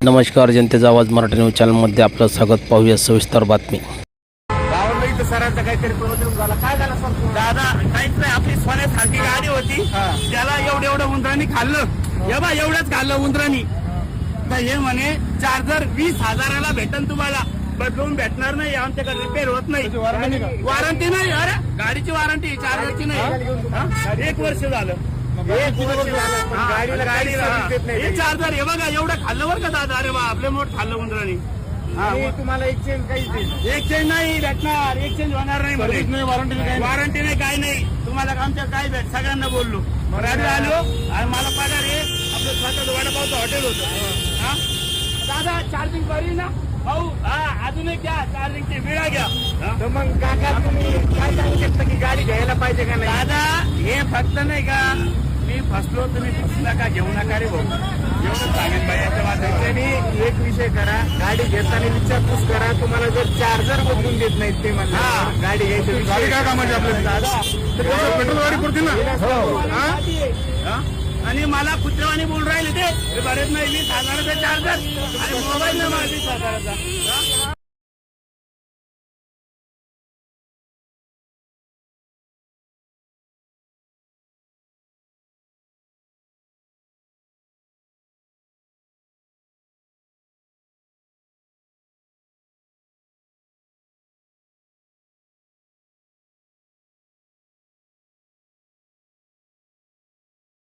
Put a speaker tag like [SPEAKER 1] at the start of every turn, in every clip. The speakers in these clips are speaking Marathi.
[SPEAKER 1] नमस्कार, जनतेचा आवाज मराठी न्यूज चॅनलमध्ये आपलं स्वागत. पाहूया सविस्तर बातमी.
[SPEAKER 2] गावाला इथं सरांचा काहीतरी प्रॉब्लेम झाला. काय झाला सर?
[SPEAKER 3] दादा काहीच नाही, आपली सोन्यासारखी गाडी होती, त्याला एवढं उंदरांनी खाल्लं. हे बा एवढंच खाल्लं उंदरांनी. तर हे म्हणे चार्जर 20,000ला भेटन तुम्हाला, बदलून भेटणार नाही, आमच्याकडे रिपेअर होत नाही. वॉरंटी नाही. अरे गाडीची वॉरंटी, चार्जरची नाही. 1 वर्ष झालं.
[SPEAKER 2] गाडीला
[SPEAKER 3] हे चार्जर हे बघा एवढं खाल्लं बरं का दादा. अरे बा आपले मोठ खाल्लं उंदरांनी.
[SPEAKER 2] तुम्हाला एक्सचेंज काहीच
[SPEAKER 3] एक्सचेंज नाही भेटणार, एक्सचेंज होणार नाही. वॉरंटी नाही, काही नाही. तुम्हाला आमच्या काय भेट सगळ्यांना बोललो. रात्री आलो आणि मला पगार आहे. आपलं स्वतःच वडापावचं हॉटेल होतं. दादा चार्जिंग करी ना भाऊ. अजून एक घ्या, चार्जिंगची विळा घ्या.
[SPEAKER 2] तर मग काका तुम्ही काय सांगू शकता की गाडी घ्यायला पाहिजे का नाही?
[SPEAKER 3] दादा हे फक्त नाही का, मी फसलो, तुम्ही फसू नका, घेऊ नका रे भाऊ. एवढं सांगेन बाई याच्या वाटायचं.
[SPEAKER 2] त्यांनी एक विषय करा, गाडी घेताना विचारपूस करा. तुम्हाला जर चार्जर बदलून देत नाहीत ते म्हणा गाडी घ्यायची.
[SPEAKER 4] गाडी काय कामाची आपल्याला?
[SPEAKER 3] दादा
[SPEAKER 4] पेट्रोल गाडी पुरते ना.
[SPEAKER 3] आणि मला कुत्रेवाणी बोल राहिले ते बरेच नाही. 20,000चा चार्जर आणि मोबाईल नाही मला 20,000चा.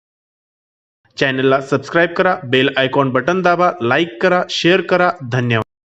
[SPEAKER 5] चॅनलला सबस्क्राईब करा, बेल आयकॉन बटन दाबा, लाईक करा, शेअर करा. धन्यवाद.